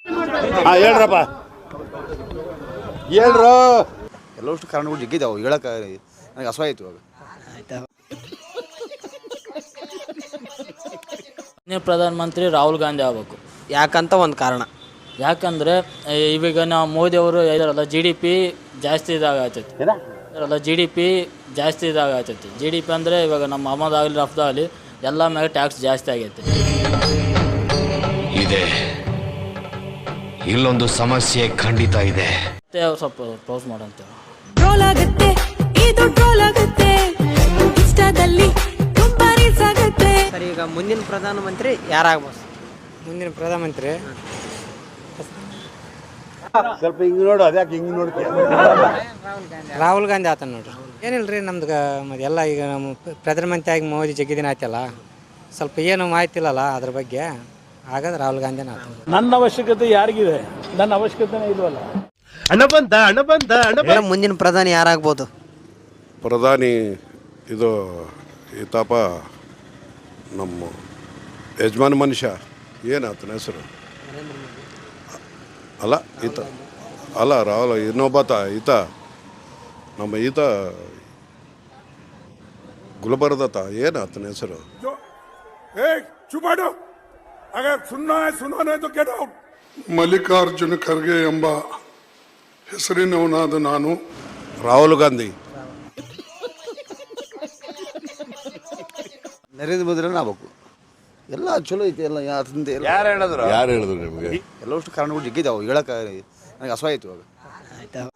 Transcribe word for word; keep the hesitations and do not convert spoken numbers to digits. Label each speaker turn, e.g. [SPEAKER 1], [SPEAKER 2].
[SPEAKER 1] ಹಾಂ ಹೇಳ್ರಪ್ಪ ಹೇಳ್ರು ಎಲ್ಲವಷ್ಟು ಕಾರಣಗಳು ಜಗ್ಗಿದ್ದಾವೆ ಹೇಳಕ್ಕೆ ನನಗೆ ಅಸಹಾಯಿತು ಇವಾಗ.
[SPEAKER 2] ಪ್ರಧಾನಮಂತ್ರಿ ರಾಹುಲ್ ಗಾಂಧಿ ಆಗಬೇಕು.
[SPEAKER 3] ಯಾಕಂತ ಒಂದು ಕಾರಣ.
[SPEAKER 2] ಯಾಕಂದರೆ ಇವಾಗ ನಾವು ಮೋದಿಯವರು ಹೇಳಿದಾರಲ್ಲ ಜಿ ಡಿ ಪಿ ಜಾಸ್ತಿ ಇದಾಗತ್ತೈತಿ ಅಲ್ಲ ಜಿ ಡಿ ಪಿ ಜಾಸ್ತಿ ಇದಾಗತ್ತೈತಿ ಜಿ ಡಿ ಪಿ ಅಂದರೆ ಇವಾಗ ನಮ್ಮ ಆಮದಾಗಲಿ ರಫ್ತಾಗಲಿ ಎಲ್ಲ ಮೇಲೆ ಟ್ಯಾಕ್ಸ್ ಜಾಸ್ತಿ ಆಗೈತೆ.
[SPEAKER 4] ಇದೆ ಇಲ್ಲೊಂದು ಸಮಸ್ಯೆ ಖಂಡಿತ ಇದೆ.
[SPEAKER 2] ಮತ್ತೆ ಸ್ವಲ್ಪ ಕ್ಲೋಸ್ ಮಾಡಂತೇವೆ.
[SPEAKER 5] ಟ್ರೋಲ್ ಆಗುತ್ತೆ ಇದು ಟ್ರೋಲ್ ಆಗುತ್ತೆ ಇನ್ಸ್ಟಾದಲ್ಲಿ ತುಂಬಾ ರೀಲ್ಸ್ ಆಗುತ್ತೆ.
[SPEAKER 3] ಸರ್ ಈಗ ಮುಂದಿನ ಪ್ರಧಾನಮಂತ್ರಿ ಯಾರಾಗ್ಬೋದು?
[SPEAKER 6] ಮುಂದಿನ ಪ್ರಧಾನಮಂತ್ರಿ
[SPEAKER 1] ಸ್ವಲ್ಪ ಹಿಂಗೆ ನೋಡು, ಅದ್ಯಾಕೆ ಹಿಂಗೆ ನೋಡ್ತೀಯ?
[SPEAKER 6] ರಾಹುಲ್ ಗಾಂಧಿ ಆತ ನೋಡ್ರಿ. ಏನಿಲ್ಲ ರೀ ನಮ್ದು ಮತ್ತೆ ಎಲ್ಲ ಈಗ ನಮ್ಮ ಪ್ರಧಾನಮಂತ್ರಿ ಆಗಿ ಮೋದಿ ಜಗ್ಗಿದಿನ ಆಯ್ತಲ್ಲ, ಸ್ವಲ್ಪ ಏನು ಮಾಹಿತಿ ಇಲ್ಲಲ್ಲ ಅದ್ರ ಬಗ್ಗೆ, ಹಾಗಾದ್ರೆ ರಾಹುಲ್ ಗಾಂಧಿನ ಆತ.
[SPEAKER 7] ನನ್ನ ಅವಶ್ಯಕತೆ ಯಾರಿಗಿದೆ? ನನ್ನ ಅವಶ್ಯಕತೆನೇ ಇಲ್ವಲ್ಲ.
[SPEAKER 8] ಹಣ ಬಂದ ಹಣ ಬಂದ ಹಣ
[SPEAKER 3] ಮೇಡಮ್, ಮುಂದಿನ ಪ್ರಧಾನಿ ಯಾರಾಗ್ಬೋದು?
[SPEAKER 9] ಪ್ರಧಾನಿ ಇದು ಈತಪ್ಪ ನಮ್ಮ ಯಜಮಾನ ಮನುಷ್ಯ ಏನಾತನ ಹೆಸರು ಅಲ್ಲ ಈತ ಅಲ್ಲ ರಾಹುಲ್ ಇನ್ನೊಬ್ಬತ ಈತ ನಮ್ಮ ಈತ ಗುಲ್ಬರ್ದತ ಏನಾತನ ಹೆಸರು
[SPEAKER 10] ಮಲ್ಲಿಕಾರ್ಜುನ ಖರ್ಗೆ ಎಂಬ ಹೆಸರಿನವನಾದ ನಾನು
[SPEAKER 9] ರಾಹುಲ್ ಗಾಂಧಿ.
[SPEAKER 1] ನರೇಂದ್ರ ಮೋದಿರನ್ನ ಆಗ್ಬೇಕು. ಎಲ್ಲ ಚಲೋ ಐತಿ ಎಲ್ಲ ಅದರಿಂದ ಎಲ್ಲ
[SPEAKER 9] ಯಾರು ಹೇಳಿದ್ರು ಯಾರು ಹೇಳಿದ್ರು ನಿಮಗೆ?
[SPEAKER 1] ಎಲ್ಲವಷ್ಟು ಕಾರಣಗಳು ಜಗ್ಗಿದ್ದಾವೆ ಹೇಳಕ್ಕೆ ನನಗೆ ಅಸಹಾಯಿತು ಇವಾಗ.